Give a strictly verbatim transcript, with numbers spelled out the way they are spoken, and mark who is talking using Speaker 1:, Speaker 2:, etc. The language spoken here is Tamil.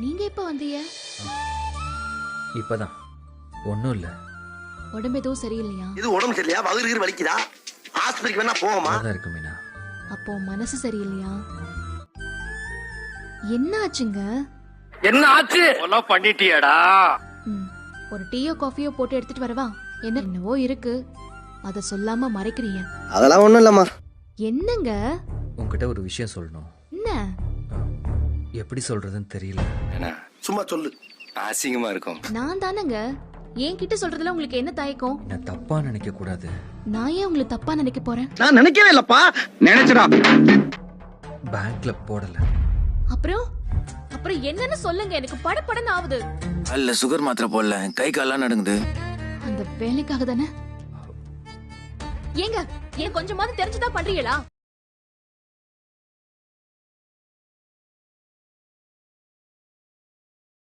Speaker 1: நீங்க எப்ப வந்தீங்க?
Speaker 2: இப்பதான். ஒண்ணும் இல்ல.
Speaker 1: உடம்பு எதுவும் சரியில்லையா?
Speaker 3: இது உடம்பு சரியில்லையா? வயிறு வலிக்குதா? ஆஸ்பத்திரிக்கு வேணா போவோமா?
Speaker 2: அதான் இருக்கு மீனா.
Speaker 1: அப்போ மனசு சரியில்லையா? என்ன ஆச்சுங்க?
Speaker 4: என்ன ஆச்சு? எல்லாம் பண்ணிட்டியாடா?
Speaker 1: ம், ஒரு டீயோ காஃபியோ போட்டு எடுத்துட்டு வரவா? என்ன என்னவோ இருக்கு, அத சொல்லாம மறைக்கிறீங்க.
Speaker 3: அதெல்லாம் ஒண்ணும் இல்லம்மா.
Speaker 1: என்னங்க?
Speaker 2: உன்கிட்ட ஒரு விஷயம் சொல்லணும்.
Speaker 1: என்ன?
Speaker 2: எப்படி சொல்றதுன்னு தெரியல.
Speaker 4: என்ன
Speaker 3: சும்மா சொல்லு.
Speaker 4: அசிங்கமா இருக்கும்.
Speaker 1: நான் தானங்க. என்கிட்ட சொல்றதுல உங்களுக்கு என்ன தயக்கம்?
Speaker 2: நான் தப்பா நினைக்க கூடாது.
Speaker 1: நான் ஏன் உங்களை தப்பா நினைக்க போறேன்?
Speaker 3: நான் நினைக்கவே இல்லப்பா.
Speaker 4: நினைச்சடா.
Speaker 2: பேங்க்ல போடல.
Speaker 1: அப்புறம் அப்புறம் என்னன்னு சொல்லுங்க, எனக்கு படபடன்னு ஆகுது.
Speaker 5: அல்ல சுகர் மாத்திரை போடல, கை கால்லாம் நடுங்குது.
Speaker 1: அந்த வேலைக்காக தானே? ஏங்க, ஏன் கொஞ்சமாவது தெரிஞ்சுதான் பண்றீங்களா?